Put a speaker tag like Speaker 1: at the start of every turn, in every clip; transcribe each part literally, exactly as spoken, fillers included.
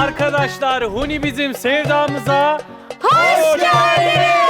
Speaker 1: arkadaşlar, Huni bizim sevdamıza
Speaker 2: Hoş geldiniz.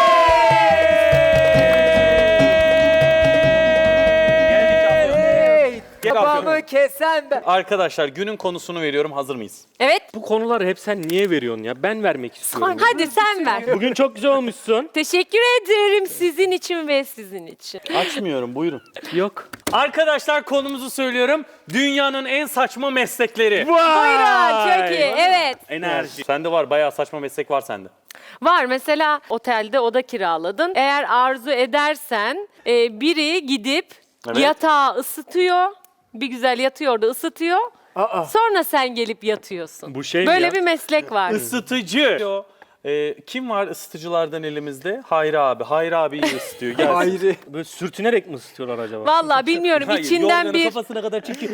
Speaker 3: Babamı kesen ben.
Speaker 1: Arkadaşlar günün konusunu veriyorum, hazır mıyız?
Speaker 2: Evet.
Speaker 4: Bu konuları hep sen niye veriyorsun ya? Ben vermek istiyorum.
Speaker 2: Hadi sen ver.
Speaker 4: Bugün çok güzel olmuşsun.
Speaker 2: Teşekkür ederim sizin için ve sizin için.
Speaker 1: Açmıyorum, buyurun.
Speaker 4: Yok.
Speaker 1: Arkadaşlar konumuzu söylüyorum. Dünyanın en saçma meslekleri.
Speaker 2: Buyurun, çok iyi. Evet.
Speaker 1: Enerji. Sende var, bayağı saçma meslek var sende.
Speaker 2: Var mesela otelde oda kiraladın. Eğer arzu edersen e, biri gidip
Speaker 1: Evet.
Speaker 2: yatağı ısıtıyor. Bir güzel yatıyor orada ısıtıyor.
Speaker 3: Aa.
Speaker 2: Sonra sen gelip yatıyorsun.
Speaker 4: Bu şey mi
Speaker 2: Böyle
Speaker 4: ya?
Speaker 2: bir meslek var.
Speaker 1: Isıtıcı. O, e, kim var ısıtıcılardan elimizde? Hayri abi. Hayri abi iyi ısıtıyor. Gelsin.
Speaker 3: Ayrı.
Speaker 4: Böyle sürtünerek mi ısıtıyorlar acaba?
Speaker 2: Vallahi bilmiyorum
Speaker 1: Hayır,
Speaker 2: içinden
Speaker 1: yorganı
Speaker 2: bir
Speaker 1: kafasına kadar çekiyor.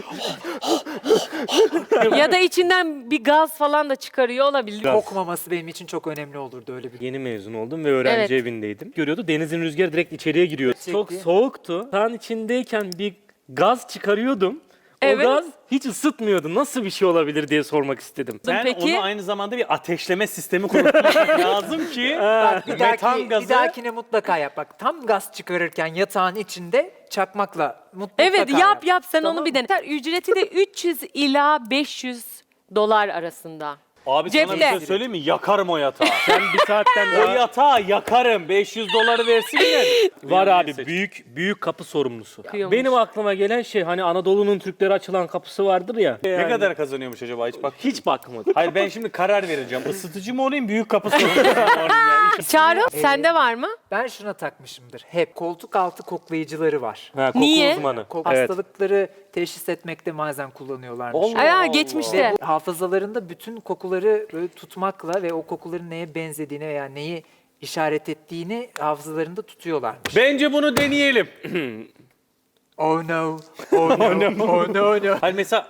Speaker 2: ya da içinden bir gaz falan da çıkarıyor olabilir.
Speaker 3: Kokmaması benim için çok önemli olurdu öyle bir.
Speaker 4: Yeni mezun oldum ve öğrenci
Speaker 2: Evet.
Speaker 4: evindeydim. Görüyordu denizin rüzgarı direkt içeriye giriyor.
Speaker 3: Çekti.
Speaker 4: Çok soğuktu. Sağın içindeyken bir gaz çıkarıyordum. O
Speaker 2: Evet.
Speaker 4: gaz hiç ısıtmıyordu. Nasıl bir şey olabilir diye sormak istedim.
Speaker 1: Ben
Speaker 2: Peki.
Speaker 1: onu aynı zamanda bir ateşleme sistemi kurmak lazım ki
Speaker 3: Bak, bir,
Speaker 1: metan
Speaker 3: dahaki,
Speaker 1: gazı...
Speaker 3: bir dahakine mutlaka yap. Bak tam gaz çıkarırken yatağın içinde çakmakla mutlaka
Speaker 2: Evet yap yap sen
Speaker 3: Tamam
Speaker 2: onu bir
Speaker 3: mı?
Speaker 2: dene. Ücreti de üç yüz ila beş yüz dolar arasında.
Speaker 1: Abi sana bir
Speaker 2: Cepte.
Speaker 1: şey söyleyeyim mi? Yakarım o yatağı.
Speaker 4: Ben bir saatten
Speaker 1: O
Speaker 4: daha
Speaker 1: yatağı yakarım. beş yüz doları versinler.
Speaker 4: var abi
Speaker 1: Seç.
Speaker 4: büyük büyük kapı sorumlusu.
Speaker 2: Kıyıyormuş.
Speaker 4: Benim aklıma gelen şey hani Anadolu'nun Türklere açılan kapısı vardır ya.
Speaker 1: Ne kadar kazanıyormuş acaba hiç bak.
Speaker 4: Hiç bakmadım.
Speaker 1: Hayır ben şimdi karar vereceğim. Isıtıcı mı olayım, büyük kapı sorumlusu mu olayım ya?
Speaker 2: Çağrı sende var mı?
Speaker 3: Ben şuna takmışımdır. Hep koltuk altı koklayıcıları var.
Speaker 4: Ha, koku
Speaker 2: Niye?
Speaker 4: uzmanı.
Speaker 3: Kok
Speaker 4: Evet.
Speaker 3: Hastalıkları teşhis etmekte bazen kullanıyorlarmış.
Speaker 1: Allah
Speaker 2: Aya
Speaker 1: Allah.
Speaker 2: geçmişte.
Speaker 3: Ve bu hafızalarında bütün kokuları böyle tutmakla ve o kokuların neye benzediğini veya neyi işaret ettiğini hafızalarında tutuyorlarmış.
Speaker 1: Bence bunu deneyelim.
Speaker 3: Oh no, oh no, oh no, no.
Speaker 1: Hani mesela...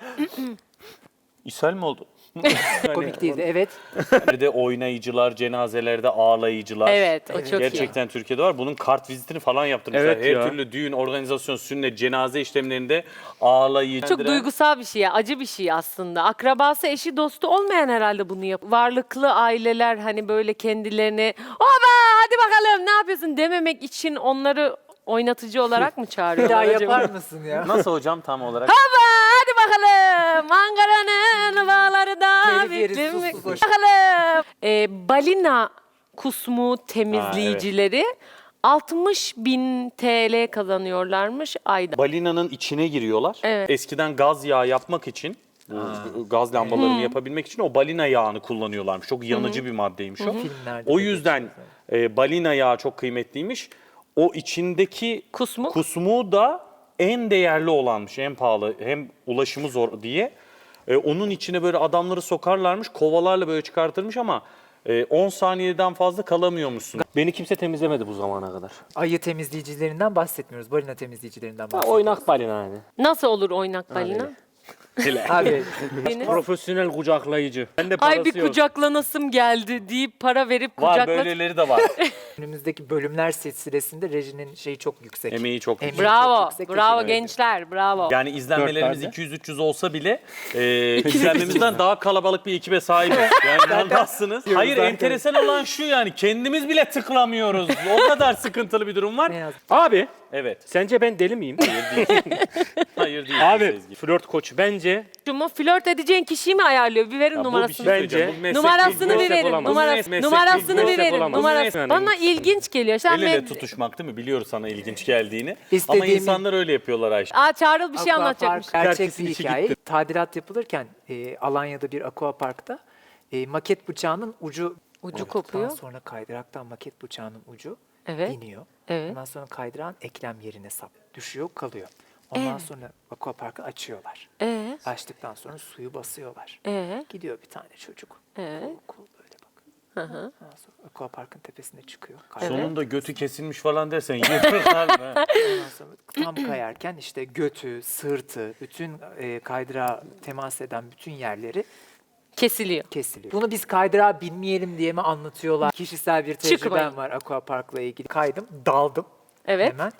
Speaker 1: İshal mi oldu?
Speaker 3: Komik değildi, evet.
Speaker 1: Bir de oynayıcılar, cenazelerde ağlayıcılar.
Speaker 2: Evet o çok
Speaker 1: Gerçekten Türkiye'de var. Bunun kart vizitini falan yaptırmışlar.
Speaker 4: Evet
Speaker 1: Her
Speaker 4: ya.
Speaker 1: türlü düğün, organizasyon, sünnet, cenaze işlemlerinde ağlayıcı.
Speaker 2: iyi. Çok duygusal bir şey ya, acı bir şey aslında. Akrabası, eşi, dostu olmayan herhalde bunu yapıyor. Varlıklı aileler hani böyle kendilerini "Oba hadi bakalım ne yapıyorsun" dememek için onları oynatıcı olarak mı
Speaker 3: Bir
Speaker 2: çağırıyorlar
Speaker 3: daha
Speaker 2: acaba?
Speaker 3: yapar mısın ya?
Speaker 1: Nasıl hocam tam olarak?
Speaker 2: Baba hadi bakalım Ankara'nın bağları da
Speaker 3: Telif yeriz,
Speaker 2: bittim.
Speaker 3: sus, sus, boş.
Speaker 2: Bakalım. Ee, balina kusmu temizleyicileri altmış bin T L kazanıyorlarmış ayda.
Speaker 1: Balinanın içine giriyorlar.
Speaker 2: Evet.
Speaker 1: Eskiden gaz yağı yapmak için, bu gaz lambalarını yapabilmek için o balina yağını kullanıyorlarmış. Çok yanıcı bir maddeymiş o.
Speaker 3: Filmlerde
Speaker 1: O
Speaker 3: de
Speaker 1: yüzden e, balina yağı çok kıymetliymiş. O içindeki
Speaker 2: Kusmuk.
Speaker 1: kusmu da en değerli olanmış, en pahalı, hem ulaşımı zor diye. E, onun içine böyle adamları sokarlarmış, kovalarla böyle çıkartırmış ama e, on saniyeden fazla kalamıyormuşsun.
Speaker 4: Beni kimse temizlemedi bu zamana kadar.
Speaker 3: Ayı temizleyicilerinden bahsetmiyoruz, balina temizleyicilerinden
Speaker 4: Ha,
Speaker 3: bahsediyoruz.
Speaker 4: oynak balina yani.
Speaker 2: Nasıl olur oynak balina?
Speaker 3: Abi
Speaker 2: Deniz?
Speaker 4: Profesyonel kucaklayıcı. Ben de parası
Speaker 2: Ay bir
Speaker 4: yok.
Speaker 2: kucaklanasım geldi deyip para verip
Speaker 1: Var
Speaker 2: kucakla.
Speaker 1: böyleleri de var.
Speaker 3: önümüzdeki bölümler silsilesinde rejinin şeyi çok yüksek.
Speaker 1: Emeği çok
Speaker 3: Emeği
Speaker 1: yüksek.
Speaker 2: Bravo,
Speaker 3: çok yüksek,
Speaker 2: bravo
Speaker 3: teşekkür ederim.
Speaker 2: gençler, bravo.
Speaker 1: Yani izlenmelerimiz
Speaker 4: Dört
Speaker 1: iki yüz üç yüz olsa bile e, izlenmemizden daha kalabalık bir ekibe sahibiz. Yani inanmazsınız. Hayır
Speaker 3: zaten.
Speaker 1: enteresan olan şu yani kendimiz bile tıklamıyoruz. O kadar sıkıntılı bir durum var.
Speaker 3: Ne yazık.
Speaker 4: Abi
Speaker 1: Evet.
Speaker 4: sence ben deli miyim?
Speaker 1: Hayır değil.
Speaker 4: Abi
Speaker 1: Sezgi.
Speaker 4: flört koçu bence
Speaker 2: Mu flört edeceğin kişiyi mi ayarlıyor? Bir verin
Speaker 1: Ya bu bir
Speaker 2: numarasını.
Speaker 1: şey söyleyeceğim.
Speaker 4: Bence-
Speaker 1: Bu meslek
Speaker 2: Numarasını
Speaker 1: değil,
Speaker 2: bir
Speaker 1: bu
Speaker 2: verin.
Speaker 4: olamaz.
Speaker 2: Numarası,
Speaker 1: Bu meslek
Speaker 2: numarasını
Speaker 1: değil,
Speaker 2: bir
Speaker 1: bu
Speaker 2: verin.
Speaker 4: olamaz.
Speaker 2: Numarası.
Speaker 4: Yani.
Speaker 2: Bana ilginç geliyor. Sen
Speaker 1: El ele
Speaker 2: med-
Speaker 1: tutuşmak değil mi? Biliyoruz sana ilginç geldiğini. Ama
Speaker 3: İstediğimi-
Speaker 1: insanlar öyle yapıyorlar Ayşe.
Speaker 2: Aa Çağrıl bir şey
Speaker 3: Aquapark
Speaker 2: anlatacakmış.
Speaker 3: gerçek
Speaker 4: Herkesin
Speaker 3: bir
Speaker 4: içi
Speaker 3: hikaye.
Speaker 4: gitti.
Speaker 3: Tadilat yapılırken e, Alanya'da bir aquaparkta e, maket bıçağının ucu
Speaker 2: Ucu
Speaker 3: olduktan
Speaker 2: kopuyor.
Speaker 3: sonra kaydıraktan maket bıçağının ucu
Speaker 2: Evet.
Speaker 3: iniyor.
Speaker 2: Evet.
Speaker 3: Ondan sonra kaydırağın eklem yerine sap düşüyor kalıyor. Ondan sonra aquaparkı açıyorlar.
Speaker 2: Ee,
Speaker 3: Açtıktan sonra suyu basıyorlar.
Speaker 2: ee,
Speaker 3: Gidiyor bir tane çocuk.
Speaker 2: ee.
Speaker 3: Kul kul böyle bak.
Speaker 2: Hı hı.
Speaker 3: Ondan sonra aquaparkın tepesine çıkıyor. Kaydırak.
Speaker 1: Sonunda götü kesilmiş falan dersen yırtırlar mı?
Speaker 3: Ondan sonra tam kayarken işte götü, sırtı, bütün e, kaydırağa temas eden bütün yerleri
Speaker 2: Kesiliyor.
Speaker 3: kesiliyor. Bunu biz kaydırağa binmeyelim diye mi anlatıyorlar? Kişisel bir tecrübem
Speaker 2: Çıkmayın.
Speaker 3: var aquaparkla ilgili. Kaydım, daldım
Speaker 2: Evet.
Speaker 3: hemen.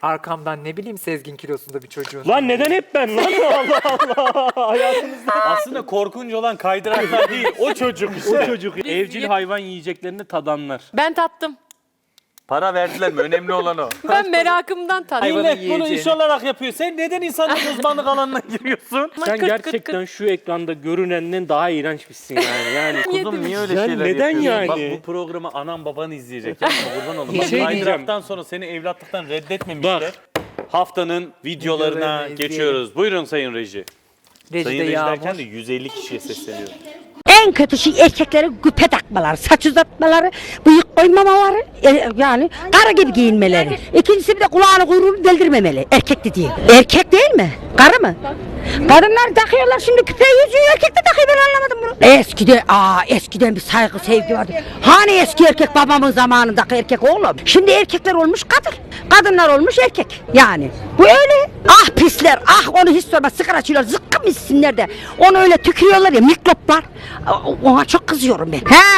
Speaker 3: arkamdan ne bileyim Sezgin kilosunda bir çocuğun.
Speaker 4: Lan neden hep ben lan? Allah Allah. Hayatımızda
Speaker 1: Aslında korkunç olan kaydıraklar değil, o çocuk işte.
Speaker 4: o çocuk. Evcil hayvan yiyeceklerini tadanlar.
Speaker 2: Ben tattım.
Speaker 1: Para verdiler mi? Önemli olan o.
Speaker 2: Ben merakımdan tattım.
Speaker 3: Hayvanı
Speaker 1: Millet bunu
Speaker 3: yiyeceğini.
Speaker 1: iş olarak yapıyor. Sen neden insanın uzmanlık alanına giriyorsun?
Speaker 2: Ama
Speaker 4: Sen
Speaker 2: kırt kırt
Speaker 4: gerçekten
Speaker 2: kırt.
Speaker 4: şu ekranda görünenden daha iğrençmişsin yani. Yani
Speaker 1: Kuzum niye öyle
Speaker 4: Yani
Speaker 1: şeyler
Speaker 4: neden
Speaker 1: yapıyorsun?
Speaker 4: yani?
Speaker 1: Bak bu programı anam baban izleyecek. Yapma kurban olun.
Speaker 4: Bir
Speaker 1: Bak
Speaker 4: şey
Speaker 1: kaydıraktan sonra seni evlatlıktan reddetmemişler.
Speaker 4: Bak.
Speaker 1: Haftanın videolarına
Speaker 3: Videolarını izleyelim.
Speaker 1: geçiyoruz. Buyurun Sayın Reji. Sayın
Speaker 3: Rejide
Speaker 1: Reji
Speaker 3: Yağmur.
Speaker 1: derken de yüz elli kişiye sesleniyorum.
Speaker 5: En kötü şey erkeklere güpe takmaları, saç uzatmaları, bıyık koymamaları, e, yani karı gibi giyinmeleri. İkincisi bir de kulağını kuyruğunu deldirmemeli, erkek dediği. Erkek değil mi? Karı mı? Kadınlar takıyorlar şimdi küpe yüzüğü, erkek de takıyor, ben anlamadım bunu. Eskiden, aa eskiden bir saygı sevgi vardı. Hani eski erkek babamın zamanındaki erkek oğlum. Şimdi erkekler olmuş kadın, kadınlar olmuş erkek. Yani bu öyle. Ah pisler, ah onu hiç sorma, sigara içiyorlar, zıkkım içsinler de. Onu öyle tükürüyorlar ya, mikroplar. Ona çok kızıyorum ben. He?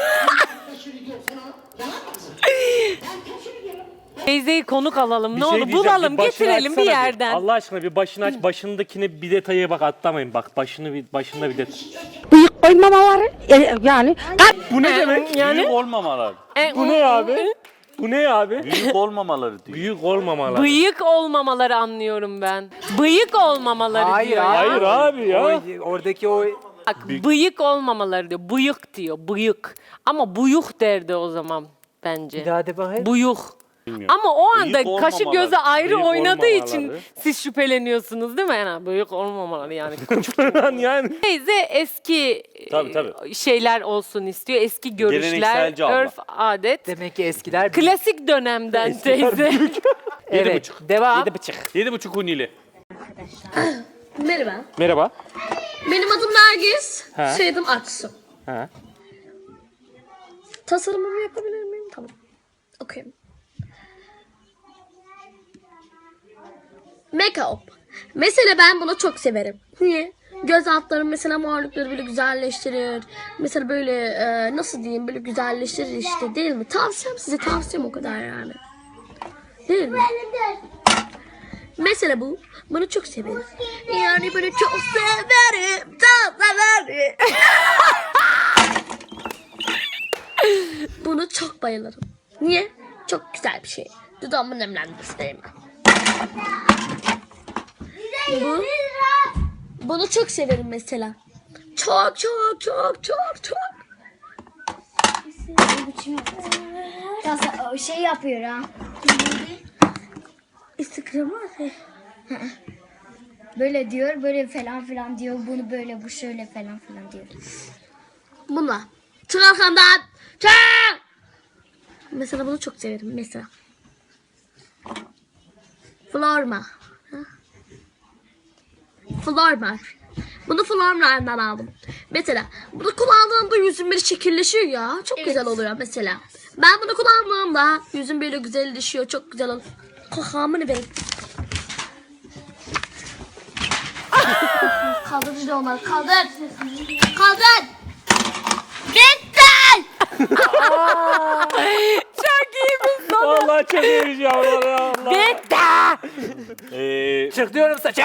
Speaker 2: Teyzeyi konuk alalım.
Speaker 4: bir
Speaker 2: ne
Speaker 4: şey
Speaker 2: olur
Speaker 4: diyeceğim,
Speaker 2: bulalım,
Speaker 4: bir başını
Speaker 2: getirelim bir
Speaker 4: açsana
Speaker 2: yerden.
Speaker 4: Allah aşkına bir başını aç. Başındakine bir detaya bak, atlamayın. Bak başını bir başında bir detay.
Speaker 5: Bıyık koymamaları, e, yani
Speaker 4: Bu ne demek?
Speaker 2: Yani
Speaker 1: Büyük olmamaları.
Speaker 2: E,
Speaker 4: Bu ne abi? Bu ne abi?
Speaker 1: Büyük olmamaları diyor.
Speaker 4: Büyük olmamalar.
Speaker 2: Bıyık olmamaları anlıyorum ben. Bıyık olmamaları
Speaker 3: Hayır,
Speaker 2: diyor ya.
Speaker 4: Hayır abi ya.
Speaker 3: O, oradaki o
Speaker 2: Bak, bıyık olmamaları diyor. Bıyık diyor. Bıyık. Ama buyuk derdi o zaman bence.
Speaker 3: bir daha de bakayım.
Speaker 2: Buyuk.
Speaker 1: Bilmiyorum.
Speaker 2: Ama o anda
Speaker 1: Bıyık
Speaker 2: kaşı
Speaker 1: olmamaları,
Speaker 2: gözü ayrı
Speaker 4: bıyık
Speaker 2: oynadığı için
Speaker 4: olmamaları.
Speaker 2: siz şüpheleniyorsunuz değil mi? Yani bıyık olmamaları yani.
Speaker 4: yani.
Speaker 2: Teyze eski
Speaker 1: Tabii,
Speaker 2: e,
Speaker 1: tabii.
Speaker 2: şeyler olsun istiyor. Eski görüşler,
Speaker 1: Gelenekselci abla.
Speaker 2: örf, adet.
Speaker 3: Demek ki eskiler
Speaker 2: Klasik dönemden teyze.
Speaker 3: evet.
Speaker 1: buçuk.
Speaker 3: Devam.
Speaker 4: Yedi bıçak.
Speaker 1: Yedi buçuk hunili.
Speaker 6: Merhaba.
Speaker 4: Merhaba.
Speaker 6: Benim adım Nergis.
Speaker 4: Ha.
Speaker 6: Soyadım Aksu.
Speaker 4: Ha.
Speaker 6: Tasarımımı yapabilir miyim? Tamam. Okuyayım. Make-up. Mesela ben bunu çok severim. Niye? Göz altlarım mesela morlukları böyle güzelleştirir. Mesela böyle e, nasıl diyeyim böyle güzelleştirir işte değil mi? Tavsiyem size tavsiyem o kadar yani. Değil mi? Mesela bu. Bunu çok severim. Yani böyle çok severim. Çok severim. Bunu çok bayılırım. Niye? Çok güzel bir şey. Dudağımı nemlendirsin değil mi? Bu, bunu çok severim mesela. Çok çok çok çok çok.
Speaker 7: Tasa- şey yapıyor ha.
Speaker 6: Instagram'a atayım.
Speaker 7: Böyle diyor, böyle falan filan diyor. Bunu böyle, bu şöyle falan filan diyor.
Speaker 6: Bununla. Çık arkamdan. Çık. Mesela bunu çok severim mesela. Florma. Ha? Florma. Bunu Florma'dan aldım. Mesela bunu kullandığımda yüzüm böyle şekilleşiyor ya. Çok güzel oluyor mesela. Ben bunu kullandığımda yüzüm böyle güzelleşiyor. Çok güzel oluyor. Kakamını verin.
Speaker 7: Kaldır bir de onları, kaldır.
Speaker 6: Kaldır. Bitti.
Speaker 2: Çok iyi bir son.
Speaker 4: Vallahi çok iyiymiş yavrular ya. Allah.
Speaker 2: Bitti.
Speaker 1: Ee,
Speaker 3: Çık diyorum saça.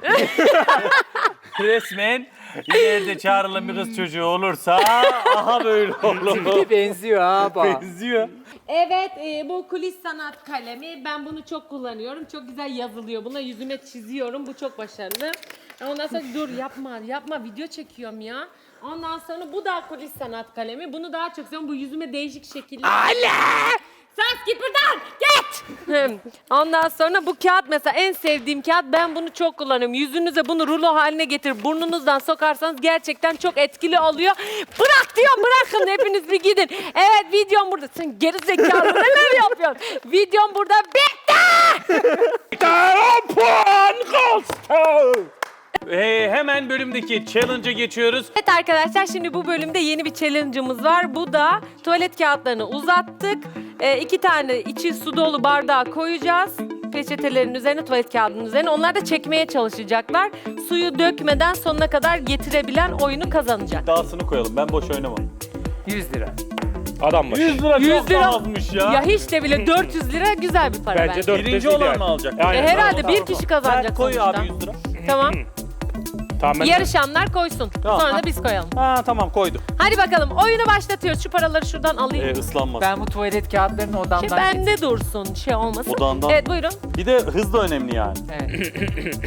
Speaker 1: resmen ileride çağrılan bir kız çocuğu olursa aha böyle olur.
Speaker 3: Benziyor ha bak.
Speaker 1: Benziyor.
Speaker 2: Evet, e, bu kulis sanat kalemi. Ben bunu çok kullanıyorum. Çok güzel yazılıyor. Buna yüzüme çiziyorum. Bu çok başarılı. Ondan sonra dur yapma, yapma. Video çekiyorum ya. Ondan sonra bu da kulis sanat kalemi. Bunu daha çok seviyorum. Bu yüzüme değişik şekiller. Ale! Sen git buradan! Git! Ondan sonra bu kağıt mesela en sevdiğim kağıt. Ben bunu çok kullanıyorum. Yüzünüze bunu rulo haline getir. Burnunuzdan sokarsanız gerçekten çok etkili oluyor. Bırak diyorum, bırakın hepiniz bir gidin. Evet, videom burada. Sen geri zekalı neler yapıyorsun? Videom burada bitti!
Speaker 4: on puan kalsın.
Speaker 1: Ee, hemen bölümdeki challenge'a geçiyoruz.
Speaker 2: Evet arkadaşlar, şimdi bu bölümde yeni bir challenge'ımız var. Bu da tuvalet kağıtlarını uzattık. Ee, iki tane içi su dolu bardağa koyacağız. Peçetelerin üzerine, tuvalet kağıdının üzerine. Onlar da çekmeye çalışacaklar. Suyu dökmeden sonuna kadar getirebilen oyunu kazanacak.
Speaker 1: Dağısını koyalım. Ben boş oynamam.
Speaker 3: yüz lira.
Speaker 4: Adam başı.
Speaker 1: yüz lira
Speaker 2: yüz
Speaker 1: çok
Speaker 2: lira
Speaker 1: azmış ya.
Speaker 2: Ya hiç de bile dört yüz lira güzel bir para
Speaker 4: Bence
Speaker 2: bence.
Speaker 4: dört
Speaker 1: Birinci
Speaker 4: yüz
Speaker 1: olan
Speaker 4: ideal.
Speaker 1: mı alacak?
Speaker 4: Aynen.
Speaker 2: E, herhalde
Speaker 4: Tamam,
Speaker 2: bir kişi kazanacak
Speaker 1: Ver, koy
Speaker 2: sonuçta.
Speaker 1: abi yüz lira.
Speaker 2: Tamam.
Speaker 4: Tamam, ben-
Speaker 2: Yarışanlar koysun.
Speaker 1: Tamam.
Speaker 2: Sonra da biz koyalım.
Speaker 1: Ha tamam koydum.
Speaker 2: Hadi bakalım oyunu başlatıyoruz. Şu paraları şuradan alayım.
Speaker 1: Ee, ıslanmaz.
Speaker 3: Ben bu tuvalet kağıtlarını odamdan
Speaker 2: Şey, bende dursun, şey olmasın.
Speaker 1: Odandan.
Speaker 2: Evet buyurun.
Speaker 1: Bir de hız da önemli yani.
Speaker 3: Evet.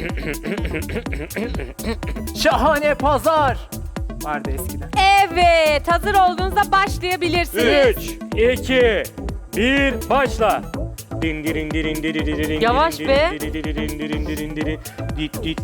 Speaker 3: Şahane pazar vardı eskiden.
Speaker 2: Evet, hazır olduğunuzda başlayabilirsiniz.
Speaker 4: üç, iki, bir, başla. Din dirin dirin dirin dirin
Speaker 2: Yavaş
Speaker 4: dirin
Speaker 2: be.
Speaker 4: dirin dirin dirin dirin dirin dit dit.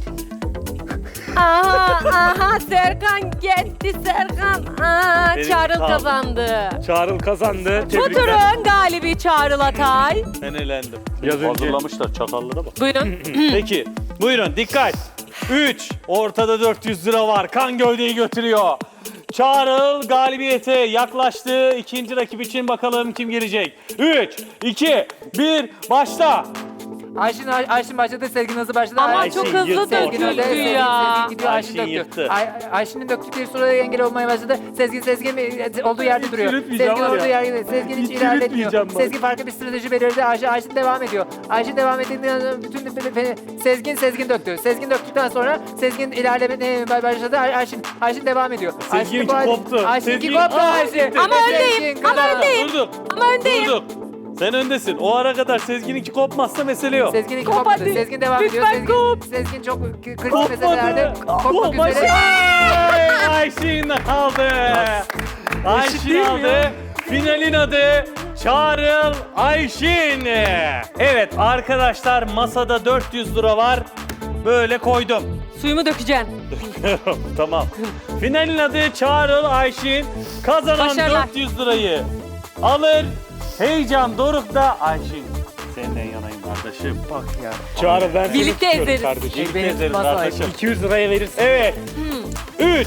Speaker 2: Aha, aha Serkan gitti Serkan. Aa,
Speaker 1: Benim
Speaker 2: Çağrıl
Speaker 1: kaldı.
Speaker 2: kazandı.
Speaker 4: Çağrıl kazandı.
Speaker 2: Bu
Speaker 4: Tebrikler.
Speaker 2: turun galibi Çağrıl Atay.
Speaker 1: Ben elendim.
Speaker 4: Biraz önce-
Speaker 1: Hazırlamışlar çakallara bak.
Speaker 2: Buyurun.
Speaker 1: Peki buyurun dikkat. üç. Ortada dört yüz lira var. Kan gövdeyi götürüyor. Çağrıl galibiyete yaklaştı. İkinci rakip için bakalım kim gelecek. üç, iki, bir, başla.
Speaker 3: Ayşin, Ay- Ayşin başladı, Sezgin hızlı başladı.
Speaker 2: Ama
Speaker 3: Ayşin
Speaker 2: çok
Speaker 1: Ayşin
Speaker 2: hızlı
Speaker 1: yırttı
Speaker 3: Sezgin
Speaker 1: ortalığı.
Speaker 3: önde,
Speaker 2: döküldü
Speaker 3: Sezgin,
Speaker 2: ya.
Speaker 3: Sezgin gidiyor, Ayşin,
Speaker 1: Ayşin
Speaker 3: döktü.
Speaker 1: yırttı.
Speaker 3: Ay, Ayşin'in döktükleri sırada engel olmaya başladı. Sezgin, Sezgin e, olduğu yerde duruyor.
Speaker 4: yürütmeyeceğim
Speaker 3: Sezgin
Speaker 4: var
Speaker 3: olduğu
Speaker 4: ya.
Speaker 3: yerde, Sezgin hiç
Speaker 4: Hiç
Speaker 3: ilerletmiyor.
Speaker 4: yürütmeyeceğim ben.
Speaker 3: Sezgin farklı bir strateji belirledi. Ayşin, Ayşin devam ediyor. Ayşin devam ettiğinden sonra bütün Sezgin, Sezgin döktü. Sezgin döktükten sonra Sezgin ilerlemeye başladı. Ay- Ayşin, Ayşin devam ediyor.
Speaker 1: Sezgin'inki
Speaker 3: Ayşin-
Speaker 1: koptu.
Speaker 3: Ayşin'inki
Speaker 1: Sezgin-
Speaker 3: koptu
Speaker 1: Aa,
Speaker 3: Ayşin.
Speaker 1: gitti.
Speaker 2: Ama
Speaker 3: Sezgin
Speaker 2: öndeyim, ama
Speaker 3: kazandı.
Speaker 2: öndeyim.
Speaker 1: Durduk.
Speaker 2: Ama öndeyim.
Speaker 1: Durduk. Sen öndesin. O ara kadar Sezgin'inki kopmazsa mesele yok.
Speaker 3: Sezgin'inki
Speaker 2: Kop
Speaker 3: kopmadı.
Speaker 2: hadi.
Speaker 3: Sezgin devam ediyor.
Speaker 2: Lütfen
Speaker 3: Sezgin,
Speaker 2: kop.
Speaker 3: Sezgin çok k- kritik
Speaker 1: Kopmadı.
Speaker 3: meselelerde kopmak
Speaker 1: Kop,
Speaker 3: üzere.
Speaker 1: Ay, Ayşin aldı. Ayşin
Speaker 4: değil mi
Speaker 1: aldı.
Speaker 4: ya?
Speaker 1: Finalin adı Çağrıl Ayşin. Evet arkadaşlar masada dört yüz lira var. Böyle koydum.
Speaker 2: Suyumu dökeceksin.
Speaker 1: Tamam. Finalin adı Çağrıl Ayşin. Kazanan
Speaker 2: Başarılar.
Speaker 1: dört yüz lirayı alır. Heyecan dorukta Ayşin. Senden yanayım kardeşim.
Speaker 3: Bak ya.
Speaker 4: Çağrıl ben seni
Speaker 2: Birlikte
Speaker 4: tutuyorum
Speaker 2: ezeriz.
Speaker 4: kardeşim.
Speaker 1: Birlikte
Speaker 3: beni
Speaker 1: ezeriz
Speaker 3: tutmaz
Speaker 1: kardeşim.
Speaker 4: iki yüz liraya verirsin.
Speaker 1: Evet. üç.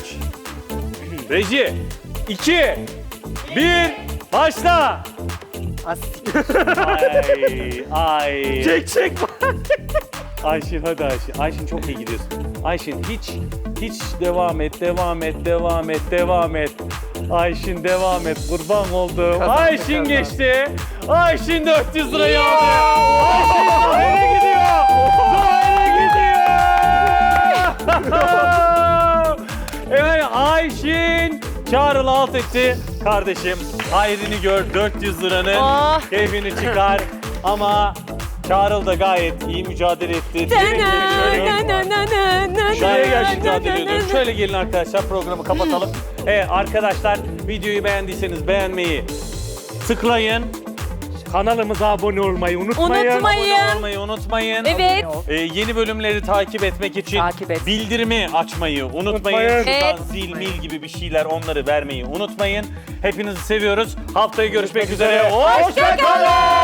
Speaker 1: Reji. iki. bir. Başla.
Speaker 3: As
Speaker 1: Ay. Ay.
Speaker 4: Çek çek.
Speaker 1: Ayşin hadi Ayşin. Ayşin çok iyi gidiyorsun. Ayşin hiç hiç devam et, devam et, devam et, devam et. Ayşin devam et. Kurban oldum.
Speaker 3: Kazandı,
Speaker 1: Ayşin
Speaker 3: kazandı.
Speaker 1: geçti. Ayşin dört yüz lirayı aldı. Ayşin Zuhail'e gidiyor. Zuhail'e gidiyor. Evet Ayşin Çağrı'lı alt etti. Kardeşim hayrını gör dört yüz liranın
Speaker 2: Oh.
Speaker 1: keyfini çıkar. Ama Çağrıl da gayet iyi mücadele etti. Tebrik ediyorum. Şuraya gel mücadele ediyorum. Şöyle gelin arkadaşlar programı kapatalım. Evet arkadaşlar videoyu beğendiyseniz beğenmeyi tıklayın.
Speaker 4: Kanalımıza abone olmayı unutmayın.
Speaker 2: Unutmayın.
Speaker 1: Abone olmayı unutmayın.
Speaker 2: Evet.
Speaker 1: Ee, yeni bölümleri takip etmek için
Speaker 3: Takip et.
Speaker 1: bildirimi açmayı unutmayın.
Speaker 4: Unutmayın.
Speaker 1: Şuradan
Speaker 2: Evet.
Speaker 1: zil mil gibi bir şeyler onları vermeyi unutmayın. Hepinizi seviyoruz. Haftaya görüşmek üzere.
Speaker 4: üzere.
Speaker 1: Hoşça kalın.